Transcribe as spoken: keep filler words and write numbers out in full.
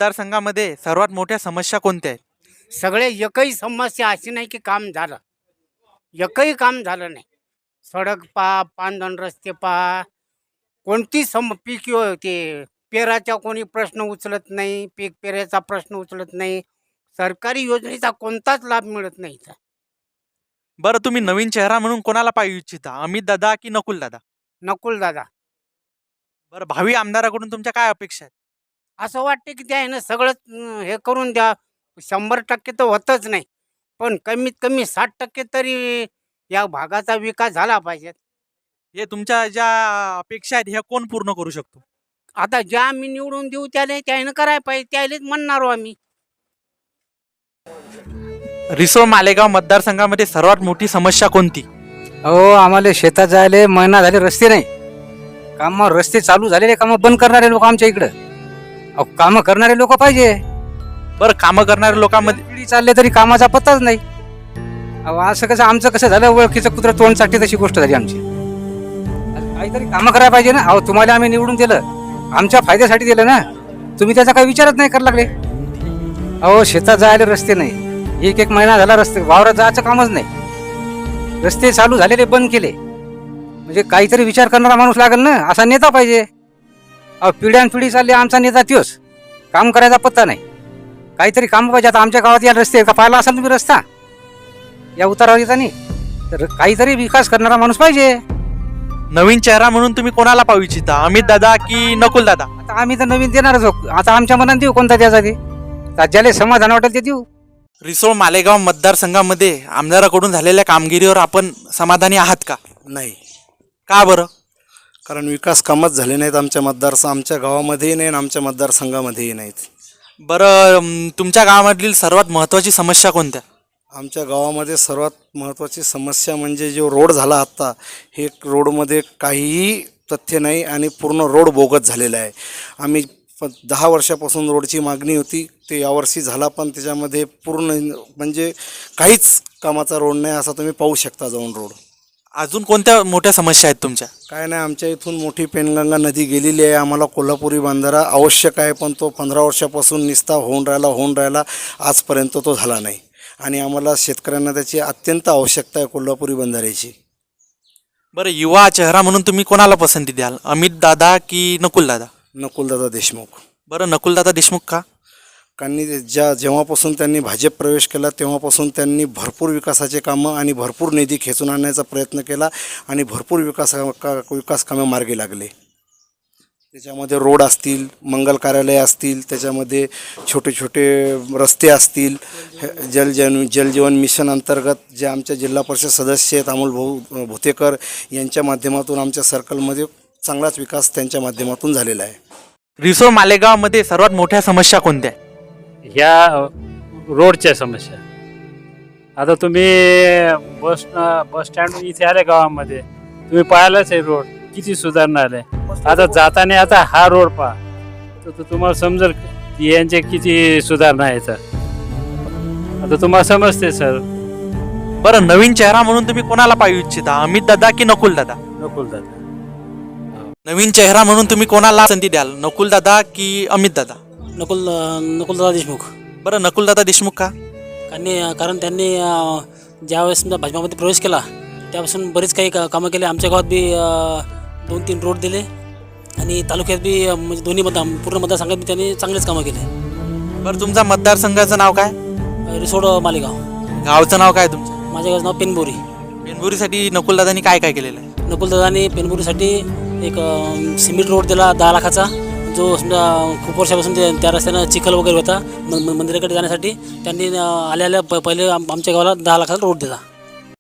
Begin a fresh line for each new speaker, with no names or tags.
मतदारसंघामध्ये सर्वात मोठ्या समस्या कोणत्या आहेत?
सगळे एकही समस्या अशी नाही की काम झालं. एकही काम झालं नाही. सडक पहा, पांदण रस्ते पहा, कोणती सम पीक यो ते पेराचा कोणी प्रश्न उचलत नाही, पीक पेराचा प्रश्न उचलत नाही. सरकारी योजनेचा कोणताच लाभ मिळत नाही इथं.
बरं, तुम्ही नवीन चेहरा म्हणून कोणाला पाहू इच्छिता? अमित दादा की नकुल दादा?
नकुल दादा.
बरं, भावी आमदाराकडून तुमच्या काय अपेक्षा आहेत?
असं वाटते की त्या ना सगळंच अं, हे करून द्या. शंभर टक्के तर होतच नाही, पण कमीत कमी साठ टक्के तरी या भागाचा विकास झाला पाहिजे.
हे तुमच्या ज्या अपेक्षा आहेत ह्या कोण पूर्ण करू शकतो?
आता ज्या आम्ही निवडून देऊ त्याला त्यानं करायला पाहिजे, त्यालाच म्हणणारो आम्ही.
रिसोड मालेगाव मतदारसंघामध्ये सर्वात मोठी समस्या कोणती?
अहो, आम्हाला शेतात जायला महिना झाले रस्ते नाही. काम रस्ते चालू झालेले, काम बंद करणारे लोक आमच्या इकडं. अहो, काम करणारे लोक पाहिजे.
बरं, कामं करणाऱ्या लोकांमध्ये
पिढी चालले तरी कामाचा पत्ताच नाही. अहो, असं कसं आमचं कसं झालं, ओळखीचं कुत्र तोंड चाटते तशी गोष्ट झाली आमची. अरे काहीतरी कामं करायला पाहिजे ना. अहो, तुम्हाला आम्ही निवडून दिलं, आमच्या फायद्यासाठी दिलं ना. तुम्ही त्याचा काही विचारच नाही करायला लागले. अहो, शेतात जायला रस्ते नाही. एक एक महिना झाला रस्ते, वावरात जायचं कामच नाही. रस्ते चालू झालेले बंद केले. म्हणजे काहीतरी विचार करणारा माणूस लागेल ना, असा नेता पाहिजे. अहो, पिढ्यान पिढी चालली, आमचा नेता त्योच, काम करायचा पत्ता नाही. काहीतरी काम पाहिजे. आता आमच्या गावात या रस्ते का पाहिला असाल तुम्ही रस्ता या उतारावर येता नाही, तर काहीतरी विकास करणारा माणूस पाहिजे.
नवीन चेहरा म्हणून तुम्ही कोणाला पाहू इच्छिता? अमित दादा की नकुल दादा?
आता आम्ही तर नवीन देणारच आहोत. आता आमच्या मनात देऊ कोणता द्यायचा ते, ज्याला समाधान वाटेल ते देऊ.
रिसोड मालेगाव मतदारसंघामध्ये आमदाराकडून झालेल्या कामगिरीवर आपण समाधानी आहात का?
नाही,
का बरं?
कारण विकास कामच झाले नाहीत आमच्या मतदार आमच्या गावामध्येही नाही आणि आमच्या मतदारसंघामध्येही नाहीत.
बरं, अं, तुमच्या गावामधील सर्वात महत्त्वाची समस्या कोणत्या?
आमच्या गावामध्ये सर्वात महत्त्वाची समस्या म्हणजे जो रोड झाला आत्ता, हे रोडमध्ये काहीही तथ्य नाही आणि पूर्ण रोड बोगस झालेला आहे. आम्ही प दहा वर्षापासून रोडची मागणी होती, ते यावर्षी झाला, पण त्याच्यामध्ये पूर्ण म्हणजे काहीच कामाचा रोड नाही, असा तुम्ही पाहू शकता जाऊन रोड.
अजून कोणत्या मोठ्या समस्या आहेत तुमच्या?
काय नाही, आमच्या इथून मोठी पेनगंगा नदी गेलेली आहे. आम्हाला कोल्हापुरी बंधारा आवश्यक आहे, पण तो पंधरा वर्षापासून निस्ता होऊन राहिला होऊन राहिला आजपर्यंत तो झाला नाही. आणि आम्हाला शेतकऱ्यांना त्याची अत्यंत आवश्यकता आहे कोल्हापुरी बंधाऱ्याची.
बरं, युवा चेहरा म्हणून तुम्ही कोणाला पसंती द्याल? अमित दादा की नकुल दादा?
नकुलदादा देशमुख.
बरं, नकुल दादा देशमुख का?
त्यांनी ज्या जेव्हापासून त्यांनी भाजप प्रवेश केला तेव्हापासून त्यांनी भरपूर विकासाचे कामं आणि भरपूर निधी खेचून आणण्याचा प्रयत्न केला आणि भरपूर विकास का विकास कामं मार्गी लागले. त्याच्यामध्ये रोड असतील, मंगल कार्यालय असतील, त्याच्यामध्ये छोटे छोटे रस्ते असतील. जलजीवन जलजीवन मिशन अंतर्गत जे आमच्या जिल्हा परिषद सदस्य आहेत अमोल भाऊ भुतेकर यांच्या माध्यमातून आमच्या सर्कलमध्ये चांगलाच विकास त्यांच्या माध्यमातून झालेला आहे.
रिसोड मालेगावमध्ये सर्वात मोठ्या समस्या कोणत्या?
ह्या रोडच्या समस्या. आता तुम्ही बस बस स्टँड इथे आले गावामध्ये, तुम्ही पाहिलाच आहे रोड किती सुधारणा आले. आता जाताना आता हा रोड पहा तर तुम्हाला समजेल यांचे किती सुधारणा आहे. तर आता तुम्हाला समजते सर.
बरं, नवीन चेहरा म्हणून तुम्ही कोणाला पाहू इच्छिता? अमित दादा की नकुल दादा?
नकुल दादा.
नवीन चेहरा म्हणून तुम्ही कोणाला पसंती द्याल? नकुल दादा की अमित दादा?
नकुल नकुलदादा देशमुख.
बरं, नकुल दादा देशमुख का?
कारण कारण त्यांनी ज्यावेळेस समजा भाजपामध्ये प्रवेश केला त्यापासून बरेच काही का कामं केले. आमच्या गावात बी दोन तीन रोड दिले आणि तालुक्यात बी म्हणजे दोन्ही मतदार पूर्ण मतदारसंघात बी त्यांनी चांगलेच कामं केले.
बरं, तुमचा मतदारसंघाचं नाव काय?
रिसोड मालेगाव.
गावचं नाव काय तुमचं?
माझ्या गावाचं नाव पेनबोरी.
पेनबुरीसाठी नकुल दादांनी काय काय केलेलं आहे?
नकुलदादांनी पेनबोरीसाठी एक सिमेंट रोड दिला दहा लाखाचा, जो समजा खूप वर्षापासून ते त्या रस्त्यानं चिखल वगैरे होता. म मंदिराकडे जाण्यासाठी त्यांनी आल्या आल्या प पहिले आम आमच्या गावाला दहा लाखाचा रोड दिला.